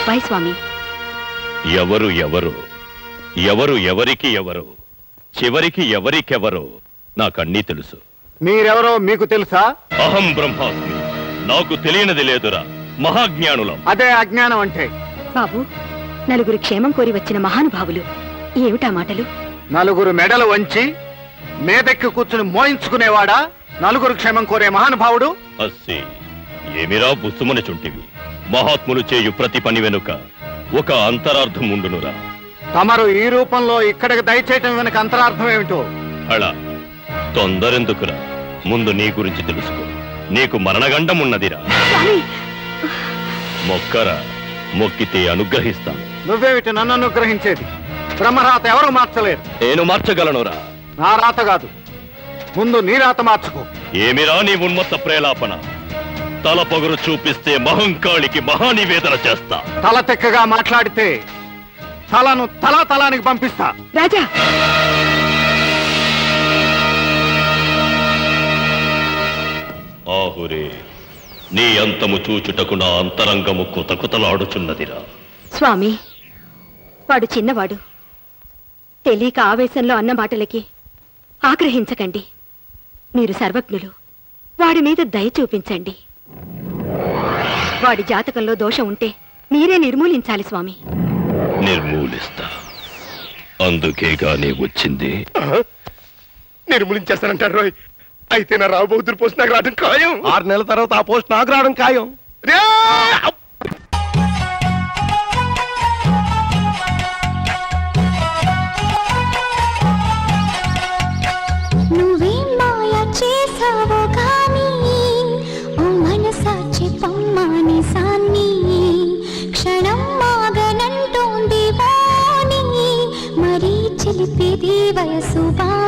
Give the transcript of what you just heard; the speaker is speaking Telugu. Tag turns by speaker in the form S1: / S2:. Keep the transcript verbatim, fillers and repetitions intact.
S1: అబ్బాయి స్వామి.
S2: ఎవరు ఎవరు ఎవరు ఎవరికి ఎవరు చివరికి ఎవరికెవరో నాకన్నీ తెలుసు.
S3: మీరెవరో మీకు తెలుసా?
S2: అహం బ్రహ్మాస్మి. నాకు తెలియనిది లేదురా మహాజ్ఞానులం.
S3: అదే అజ్ఞానం అంటే.
S1: బాబు, నలుగురు క్షేమం కోరి వచ్చిన మహానుభావులు. ఏమిటా మాటలు?
S3: నలుగురు మెడలు వంచి మేదెక్కి కూర్చుని మోయించుకునేవాడా నలుగురు క్షేమం కోరే మహానుభావుడు?
S2: అస్సి ఏమిరా బుస్సుమని చుంటివి. మహాత్ములు చేయు ప్రతి పని వెనుక ఒక అంతరార్థం ఉండునురా.
S3: తమరు ఈ రూపంలో ఇక్కడికి దయచేయటం వెనుక అంతరార్థం ఏమిటో?
S2: అలా తొందరెందుకురా, ముందు నీ గురించి తెలుసుకో. నీకు మరణగండం ఉన్నదిరా. మొక్కరా, మొక్కితే అనుగ్రహిస్తాను.
S3: నువ్వేమిటి నన్ను అనుగ్రహించేది? బ్రహ్మరాత ఎవరు మార్చలేరు.
S2: నేను మార్చగలనురా.
S3: నా రాత కాదు, ముందు నీ రాత మార్చుకో.
S2: ఏమిరా నీ ఉన్మత్త ప్రేలాపన? తల పొగరు చూపిస్తే మహంకాళికి మహానివేదన చేస్తా.
S3: తల తెక్కగా మాట్లాడితే తలను తలా తలానికి పంపిస్తా.
S1: రాజా,
S2: ఆహురే, నీ అంతము చూచుటకు నా అంతరంగము కుతకుతలాడుచున్నదిరా.
S1: స్వామి, వాడు చిన్నవాడు. తెలియక ఆవేశంలో అన్న మాటలకి ఆగ్రహించకండి. మీరు సర్వజ్ఞులు, వాడి మీద దయ చూపించండి. వాడి జాతకంలో దోషం ఉంటే మీరే నిర్మూలించాలి స్వామి.
S2: నిర్మూలిస్తా. అందుకేగానే వచ్చింది.
S4: నిర్మూలించేస్తానంటారు రోయ్. అయితే నా రావు బౌద్ధుల పోస్ట్ నాకు రావడం ఖాయం. ఆరు నెలల తర్వాత ఆ పోస్ట్ నాకు రావడం ఖాయం.
S5: వయసు